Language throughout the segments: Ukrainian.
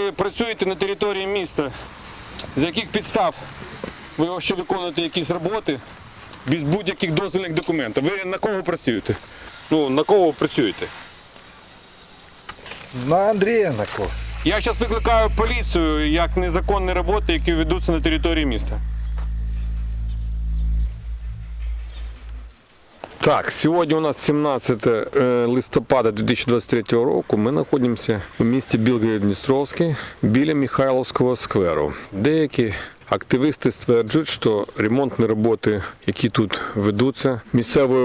ви працюєте на території міста, з яких підстав ви ще виконуєте якісь роботи без будь-яких дозвільних документів? Ви на кого працюєте? Ну, на кого ви працюєте? На Андрія на кого? Я зараз викликаю поліцію як незаконні роботи, які ведуться на території міста. Так, сьогодні у нас 17 листопада 2023 року. Ми знаходимося в місті Білгород-Дністровський біля Михайловського скверу. Деякі активісти стверджують, що ремонтні роботи, які тут ведуться, місцевою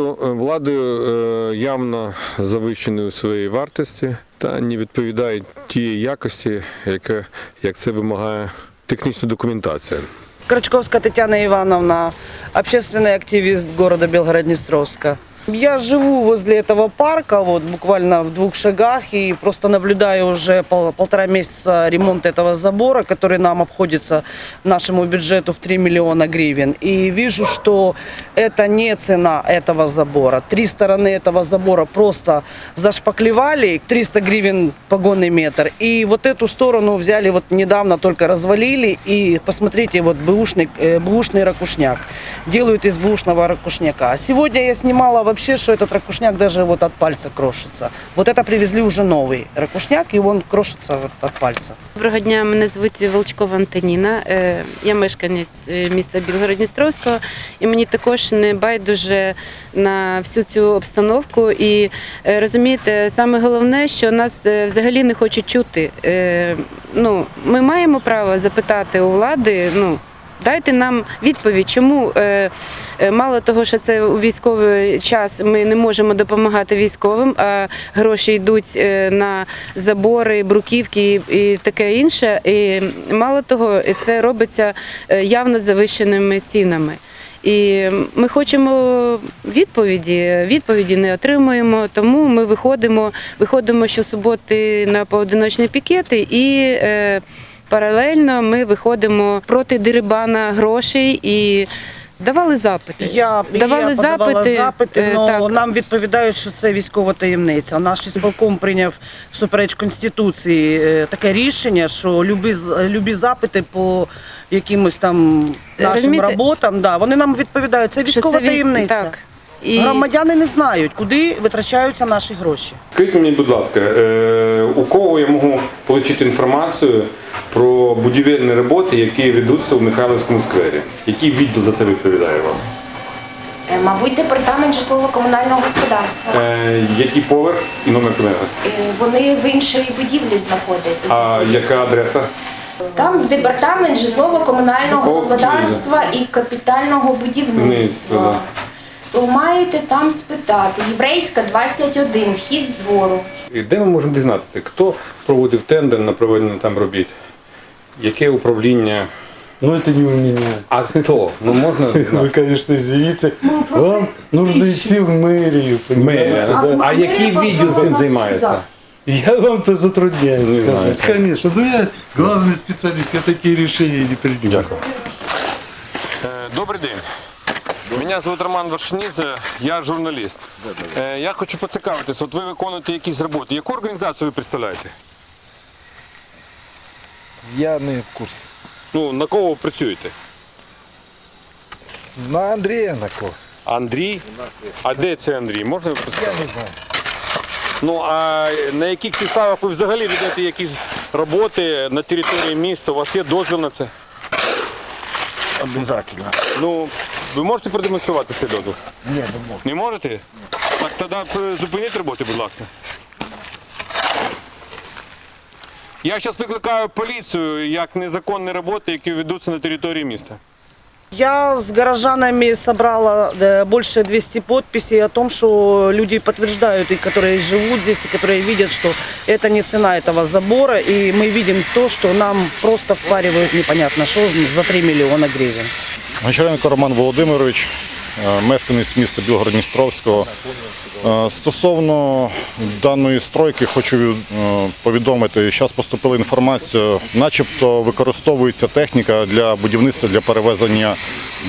владою явно завищені у своїй вартості та не відповідають тієї якості, як це вимагає технічна документація. Крачковская Татьяна Ивановна, общественный активист города Белгород-Днестровска. Я живу возле этого парка, вот буквально в 2 шагах, и просто наблюдаю уже полтора месяца ремонт этого забора, который нам обходится нашему бюджету в 3 миллиона гривен. И вижу, что это не цена этого забора. 3 стороны этого забора просто зашпаклевали, 300 гривен погонный метр. И вот эту сторону взяли, вот недавно только развалили, и посмотрите, вот бэушный ракушняк. Делают из бэушного ракушняка. А сегодня я снимала вообще, что этот ракушняк даже вот от пальца крошится. Вот это привезли уже новый ракушняк, и он крошится вот от пальца. Доброго дня, мене звуть Волчкова Антоніна. Я мешканець міста Білгород-Дністровського, і мені також не байдуже на всю цю обстановку. І розумієте, саме головне, що нас взагалі не хочуть чути. Ми маємо право запитати у влади, дайте нам відповідь, чому мало того, що це у військовий час ми не можемо допомагати військовим, а гроші йдуть на забори, бруківки і таке інше. І мало того, це робиться явно завищеними цінами. І ми хочемо відповіді не отримуємо, тому ми виходимо щосуботи на поодиночні пікети і паралельно ми виходимо проти дерибана грошей і давали запити. Я подавала запити, але нам відповідають, що це військова таємниця. Наш ісполком прийняв всупереч Конституції таке рішення, що любі запити по якимось там нашим роботам, вони нам відповідають, це військова таємниця. Так. Громадяни не знають, куди витрачаються наші гроші. Скажіть мені, будь ласка, у кого я можу отримати інформацію про будівельні роботи, які ведуться у Михайлівському сквері? Який відділ за це відповідає у вас? Мабуть, департамент житлово-комунального господарства. Який поверх і номер кабінету? Вони в іншій будівлі знаходяться. А яка адреса? Там департамент житлово-комунального господарства і капітального будівництва. То маєте там спитати. Єврейська, 21, вхід з двору. І де ми можемо дізнатися, хто проводив тендер на проведення там робіт? Яке управління? Это не у меня. А хто? Можна Вы, дізнатися? конечно, извините. Вам нужно идти в мэрию, понимаете? Да? А який відділ цим займається? Я вам то затрудняюсь Не знаю. сказать. Конечно, я главный специалист, я такие решения не принимаю. Добрий день. Мене звуть Роман Вершинідзе, я журналіст. Я хочу поцікавитися, от ви виконуєте якісь роботи. Яку організацію ви представляєте? Я не в курсе. На кого ви працюєте? На Андрея на кого? Андрій? А де це Андрій? Можна ви Я представити? не знаю. А на яких підставах ви взагалі ведете якісь роботи на території міста? У вас є дозвіл на це? Обязательно. Ви можете продемонструвати цей дозвіл? Не, не могу. Не можете? Так тоді зупиніть роботи, будь ласка. Я зараз викликаю поліцію як незаконні роботи, які ведуться на території міста. Я с горожанами собрала больше 200 подписей о том, что люди подтверждают, и которые живут здесь, и которые видят, что это не цена этого забора, и мы видим то, что нам просто впаривают непонятно что за 3 миллиона гривен. Гончаренко Роман Володимирович, мешканець міста Білгород-Дністровського. Стосовно даної стройки хочу повідомити, зараз поступила інформація, начебто використовується техніка для будівництва, для перевезення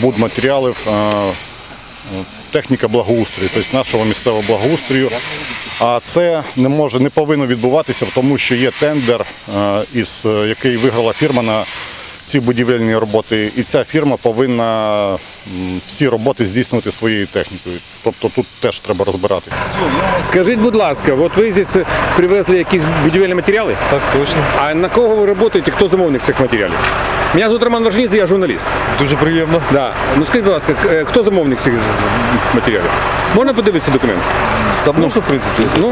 будматеріалів, техніка благоустрою, тобто нашого місцевого благоустрою. А це не повинно відбуватися, тому що є тендер, який виграла фірма на ці будівельні роботи, і ця фірма повинна всі роботи здійснювати своєю технікою. Тобто тут теж треба розбирати. Скажіть, будь ласка, от ви здесь привезли якісь будівельні матеріали? Так точно. А на кого ви працюєте, хто замовник цих матеріалів? Мене звуть Роман Варшаніця, я журналіст. Дуже приємно. Да. Ну скажіть, будь ласка, хто замовник цих матеріалів? Можна подивитися документ? Та можна, в принципі. Ну,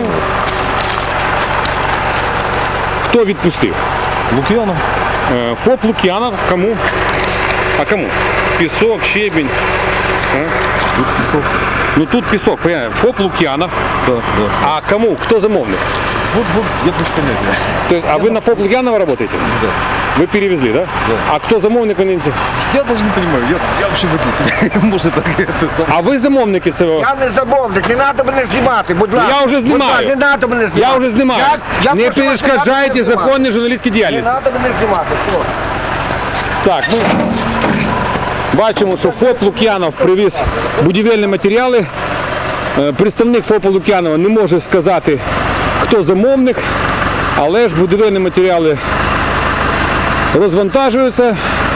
хто відпустив? Лук'янов. ФОП Лук'янов. Кому? А кому? Пісок, щебінь. Тут пісок. Ну тут пісок, понятно. ФОП Лук'янов. Так, так. А кому? Кто замовник? Вот, я без поняття. То есть, а вы на ФОП Лукьянова работаете? Да. Вы перевезли, да? Да. А кто замовник? Я даже не понимаю, я вообще водитель. Может так это сам. А ви замовники цього? Я не замовник, не треба мене знімати, будь ласка. Я вже Будь ласка, знімаю. не треба мене знімати. Я вже знімаю. Я Не прошу вас, перешкоджайте не треба мене законній журналістській знімати. діяльності. Не треба мене знімати, все. Так, ну бачимо, що ФОП Лук'янов привіз будівельні матеріали. Представник ФОПу Лук'янова не може сказати, хто замовник, але ж будівельні матеріали розвантажуються.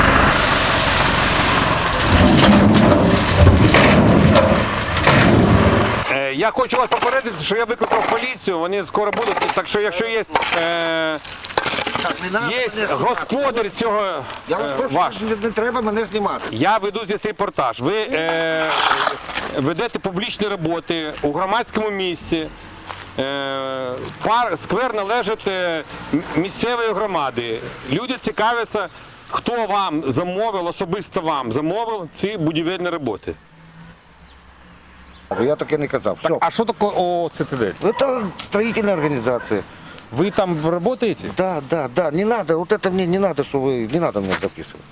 Я хочу вас попередити, що я викликав поліцію, вони скоро будуть, так що якщо є, Так, не треба є мене знімати. господар цього Я вас прошу, ваш. не треба мене знімати. Я веду здесь репортаж. Ви ведете публічні роботи у громадському місці. Сквер належить місцевої громади. Люди цікавляться, хто вам замовив, особисто вам замовив ці будівельні роботи. Я таке не казав. Все. А що таке ОЦТД? Это строительная организация. Ви там працюєте? Да. Не надо, вот это мне не надо, что вы, не надо мне записывать.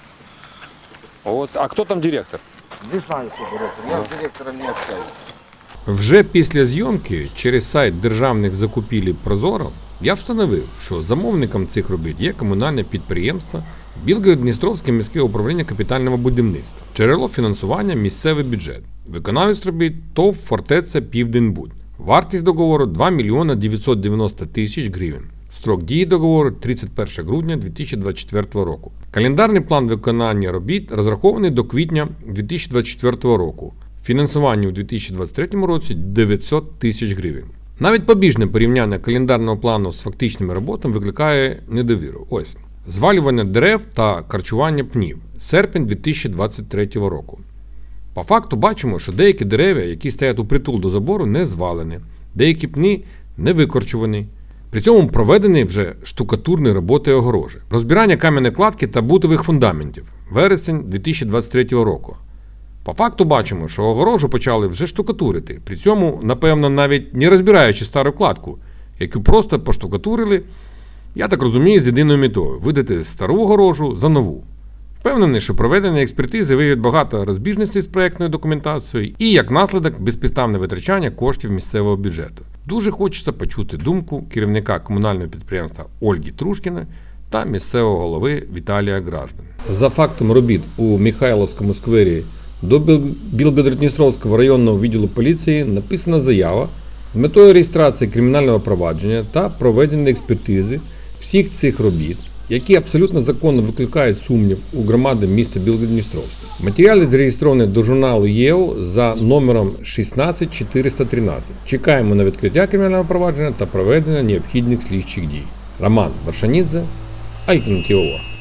А хто там директор? Не знаю, кто директор. Я с директором не общаюсь. Вже після зйомки через сайт державних закупівель Прозоро я встановив, що замовником цих робіт є комунальне підприємство Білгород-Дністровське міське управління капітального будівництва. Джерело фінансування – місцевий бюджет. Виконавець робіт – ТОВ «Фортеця Південбуд». Вартість договору – 2 мільйона 990 тисяч гривень. Строк дії договору – 31 грудня 2024 року. Календарний план виконання робіт розрахований до квітня 2024 року. Фінансування у 2023 році – 900 тисяч гривень. Навіть побіжне порівняння календарного плану з фактичними роботами викликає недовіру. Ось. Звалювання дерев та харчування пнів. Серпень 2023 року. По факту бачимо, що деякі дерева, які стоять у притул до забору, не звалені, деякі пні не викорчувані. При цьому проведені вже штукатурні роботи огорожі. Розбирання кам'яної кладки та бутових фундаментів. Вересень 2023 року. По факту бачимо, що огорожу почали вже штукатурити, при цьому, напевно, навіть не розбираючи стару кладку, яку просто поштукатурили, я так розумію, з єдиною метою – видати стару огорожу за нову. Впевнений, що проведення експертизи виявить багато розбіжностей з проєктною документацією і, як наслідок, безпідставне витрачання коштів місцевого бюджету. Дуже хочеться почути думку керівника комунального підприємства Ольги Трушкіної та місцевого голови Віталія Граждан. За фактом робіт у Михайловському сквері до Білгород-Дністровського районного відділу поліції написана заява з метою реєстрації кримінального провадження та проведення експертизи всіх цих робіт, які абсолютно законно викликають сумнів у громади міста Білгород-Дністровське. Матеріали зареєстровані до журналу ЄО за номером 16413. Чекаємо на відкриття кримінального провадження та проведення необхідних слідчих дій. Роман Варшаніця, Альтернатива.